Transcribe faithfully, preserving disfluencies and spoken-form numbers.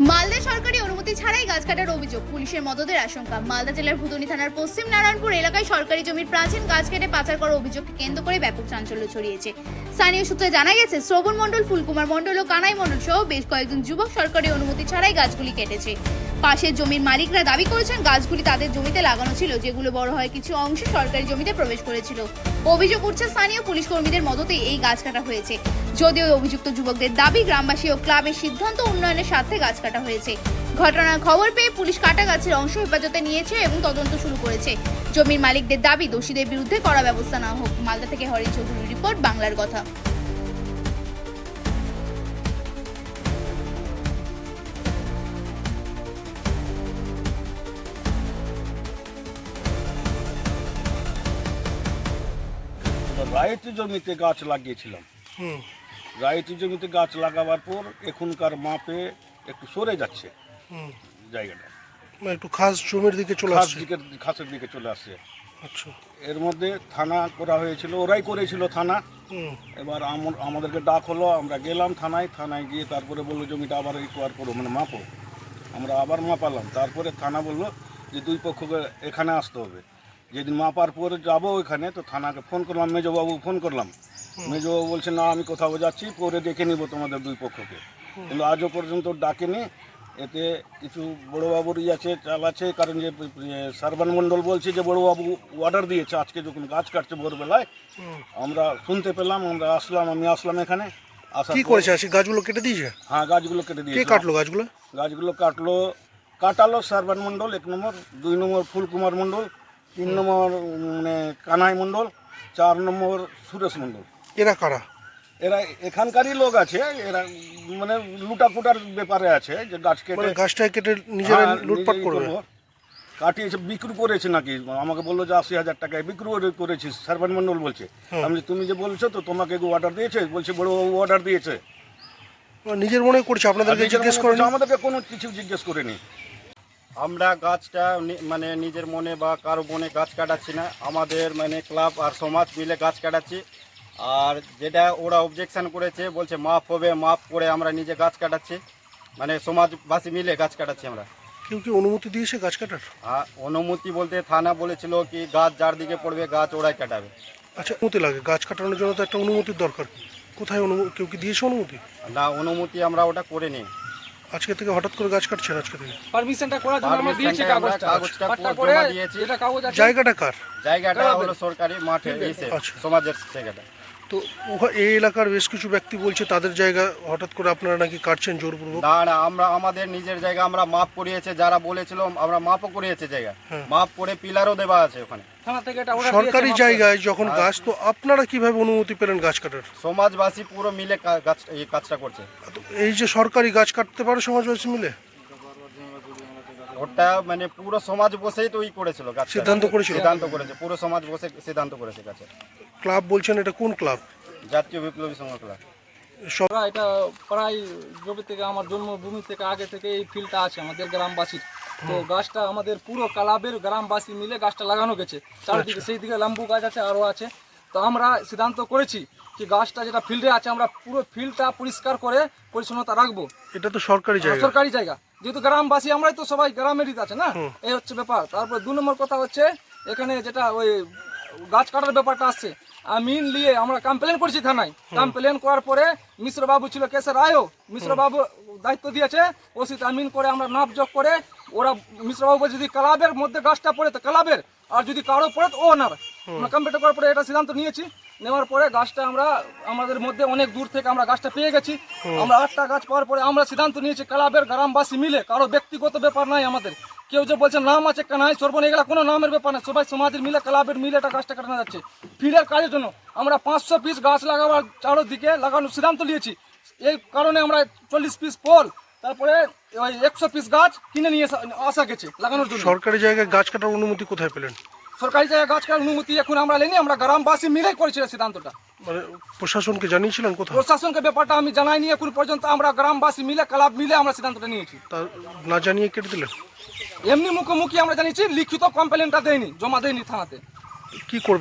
মালদা সরকারি অনুমতি ছাড়াই গাছ কাটার অভিযোগ, পুলিশের মদদের আশঙ্কা। মালদা জেলার ভুতনি থানার পশ্চিম নারায়ণপুর এলাকায় সরকারি জমির প্রাচীন গাছ কেটে পাচার করার অভিযোগকে কেন্দ্র করে ব্যাপক চাঞ্চল্য ছড়িয়েছে। স্থানীয় সূত্রে জানা গেছে, শ্রবণ মণ্ডল, ফুলকুমার মণ্ডল ও কানাই মণ্ডল সহ বেশ কয়েকজন যুবক সরকারি অনুমতি ছাড়াই গাছগুলি কেটেছে। পাশের জমির মালিকরা দাবি করেছেন গাছগুলি তাদের জমিতে লাগানো ছিল, যেগুলো বড় হয় কিছু অংশ সরকারি জমিতে প্রবেশ করেছিল। অভিযোগ উঠছে স্থানীয় পুলিশ কর্মীদের মদতেই এই গাছ কাটা হয়েছে। যদিও অভিযুক্ত যুবকদের দাবি গ্রামবাসী ও ক্লাবের সিদ্ধান্ত উন্নয়নের স্বার্থে গাছ কাটা হয়েছে। ঘটনার খবর পেয়ে পুলিশ কাটা গাছের অংশ হেফাজতে নিয়েছে এবং তদন্ত শুরু করেছে। জমির মালিকদের দাবি দোষীদের বিরুদ্ধে কড়া ব্যবস্থা না হোক। মালদা থেকে হরিণ চৌধুরীর রিপোর্ট, বাংলার কথা। রায়তি জমিতে গাছ লাগিয়েছিলাম। হুম রায়তি জমিতে গাছ লাগাবার পর এখনকার মাপে একটু সরে যাচ্ছে হুম জায়গাটা, মানে একটু খাস জমির দিকে চলে খাস আসছে। দিকে ঘাসের দিকে চলে আসছে। আচ্ছা। এর মধ্যে থানা করা হয়েছিল, ওরাই করেছিল থানা। হুম এবার আম- আমাদেরকে ডাক হলো, আমরা গেলাম থানায়। থানায় গিয়ে তারপরে বললো জমিটা আবার রিকোয়ার করো, মানে মাপো। আমরা আবার মাপালাম। তারপরে থানা বললো যে দুই পক্ষকে এখানে আসতে হবে। যেদিন মাপার পরে যাবো ওইখানে, তো থানাকে ফোন করলাম, মেজবাবু ফোন করলাম। মেজবাবু বলছে না, আমি কোথাও যাচ্ছি, পরে দেখে নিব তোমাদের দুই পক্ষকে। কিন্তু আজও পর্যন্ত ডাকেনি। এতে কিছু বড়োবাবুর ই আছে, চাল আছে, কারণ যে সার্বান মণ্ডল বলছে যে বড়োবাবু অর্ডার দিয়েছে আজকে যখন গাছ কাটছে ভোরবেলায়। হুম। আমরা শুনতে পেলাম, আমরা আসলাম, আমি আসলাম এখানে। আসার কি পর- করেছে? আসি গাছগুলো কেটে দিয়েছে? হ্যাঁ, গাছগুলো কেটে কে দিয়েছে। কাটলো গাছগুলো? গাছগুলো কাটলো কাটালো সার্বান মণ্ডল এক নম্বর, দুই নম্বর ফুলকুমার মণ্ডল, তিন নম্বর মানে কানাই মণ্ডল, চার নম্বর সুরেশ মণ্ডল। এরা কারা? এরা এখানকারই লোক আছে, এরা মানে লুটাপুটার ব্যাপারে আছে, যে গাছ কেটে মানে গাছটা কেটে নিজেরা হ্যাঁ, লুটপাট নিজেই করবে? করবো। কাটিয়েছে, বিক্রি করেছে নাকি, আমাকে বললো যে আশি হাজার টাকায় বিক্রি করে- করেছিস। সার্বান মণ্ডল বলছে। হুম। আমি বলছি, তুমি যে বলছো তো তোমাকে অর্ডার দিয়েছে? বলছে বড়বাবু অর্ডার দিয়েছে। মানে নিজের মনে করছে, আপনাদেরকে নিজের জিজ্ঞেস মনে করেন? করছে, আমাদেরকে কোনো কিছু জিজ্ঞেস করেনি। আমরা গাছটা নি- মানে নিজের মনে বা কারো মনে গাছ কাটাচ্ছি না, আমাদের মানে ক্লাব আর সমাজ মিলে গাছ কাটাচ্ছি। আর যেটা ওরা অবজেকশন করেছে, বলছে মাপ হবে, মাপ করে আমরা নিজে গাছ কাটাচ্ছি, মানে সমাজবাসী মিলে গাছ কাটাচ্ছি আমরা। কেউ কি অনুমতি দিয়েছে গাছ কাটার? আর অনুমতি বলতে থানা বলেছিল কি গাছ যার দিকে পড়বে গাছ ওরাই কাটাবে। আচ্ছা, অনুমতি লাগে গাছ কাটানোর জন্য, তো একটা অনুমতির দরকার। কোথায় অনুমতি? কেউ কি দিয়েছে অনুমতি? না, অনুমতি আমরা ওটা করে নিই। আজকে থেকে হঠাৎ করে গাছ কাটছেন? আজকে থেকে পারমিশনটা করার জন্য আমরা দিয়েছি পারমিশনটা আমরা কাগজটা কাগজটা পাট্টা জমা করে দিয়েছি। যেটা কাগজ আছে জায়গাটা কার? জায়গাটা হলো সরকারি মাঠে, এসে আচ্ছা। সমাজের জায়গাটা। তো উহা- এই এলাকার বেশ কিছু ব্যক্তি বলছে তাদের জায়গা হঠাৎ করে আপনারা নাকি কাটছেন জোরপূর্বক। না না, আমরা আমাদের নিজের জায়গা আমরা মাপ করিয়েছে, যারা বলেছিল আমরা মাপও করিয়েছে জায়গা, হ্যাঁ। মাপ করে পিলারও দেওয়া আছে ওখানে। থানা থেকে এটা order সরকারি দিয়েছে, জায়গায় যখন গাছ, তো আপনারা কিভাবে অনুমতি পেলেন গাছ কাটার? সমাজবাসী পুরো মিলে কা- গাছ এই কাজটা করছে। তো এই যে সরকারি গাছ কাটতে পারে সমাজবাসী মিলে, ওটা মানে পুরো সমাজ বসেই তো ই করেছিল, গাছ সিদ্ধান্ত করেছিল? সিদ্ধান্ত করেছে, পুরো সমাজ বসে সিদ্ধান্ত করেছে গাছে। ক্লাব বলছেন, এটা কোন ক্লাব? জাতীয় বিপ্লবী সংঘ ক্লাব। সব আমরা এটা প্রায় জমি থেকে, আমার জন্মভূমি থেকে আগে থেকে এই ফিল্ডটা আছে আমাদের গ্রামবাসীর। তো গাছটা আমাদের পুরো ক্লাবের গ্রামবাসী মিলে গাছটা লাগানো গেছে চারিদিকে। সেই দিকে লাম্বু গাছ আছে, আরও আছে। তো আমরা সিদ্ধান্ত করেছি কি গাছটা যেটা ফিল্ডে আছে আমরা পুরো ফিল্ডটা পরিষ্কার করে পরিচ্ছন্নতা রাখবো। এটা তো সরকারি জায়গা। সরকারি জায়গা, যেহেতু গ্রামবাসী আমরাই তো সবাই গ্রামেরই আছে না, এই হচ্ছে ব্যাপার। তারপর দু নম্বর কথা হচ্ছে, এখানে যেটা ওই গাছ কাটার ব্যাপারটা আসছে, আমিন নিয়ে আমরা কমপ্লেন করেছি থানায়। কমপ্লেন করার পরে মিশ্রবাবু ছিল কেসের রায়ও, মিশ্রবাবু দায়িত্ব দিয়েছে ওসিত আমিন করে আমরা নাপ যোগ করে, ওরা মিশ্রবাবু বলছে যদি ক্লাবের মধ্যে গাছটা পড়ে তো ক্লাবের, আর যদি কারো পড়ে তো ওনার। আমরা কমপ্লেন করার পরে এটা সিদ্ধান্ত নিয়েছি। নেওয়ার পরে গাছটা আমরা আমাদের মধ্যে অনেক দূর থেকে আমরা গাছটা পেয়ে গেছি। আমরা আটটা গাছ পাওয়ার পরে আমরা সিদ্ধান্ত নিয়েছি ক্লাবের গ্রামবাসী মিলে, কারো ব্যক্তিগত ব্যাপার নাই আমাদের। কেউ যে বলছে নাম আছে কানাই সর্বন, এগুলা কোনো নামের ব্যাপার না, সবাই সমাজের মিলে ক্লাবের মিলে এটা গাছটা কাটানো যাচ্ছে ফিল্ডের কাজের জন্য। আমরা পাঁচশো পিস গাছ লাগাবার চারোদিকে লাগানোর সিদ্ধান্ত নিয়েছি। এই কারণে আমরা চল্লিশ পিস ফল, তারপরে ওই একশো পিস গাছ কিনে নিয়ে আসা- আসা গেছে লাগানোর জন্য। সরকারি জায়গায় গাছ কাটার অনুমতি কোথায় পেলেন? সরকারি জায়গায় গাছ কাটার অনুমতি এখন আমরা নেইনি, আমরা গ্রামবাসী মিলে করেছিলাম সিদ্ধান্তটা। মানে প্রশাসনকে জানিয়েছিলেন কোথাও? প্রশাসনকে ব্যাপারটা আমি জানাইনি এখন পর্যন্ত, আমরা গ্রামবাসী মিলে ক্লাব মিলে আমরা সিদ্ধান্তটা নিয়েছি। তা না জানিয়ে কেটে দিলেন? এমনি মুখোমুখি আমরা জানিয়েছি, লিখিত কমপ্লেনটা দেয়নি, জমা দেয়নি থানাতে। কি করবে?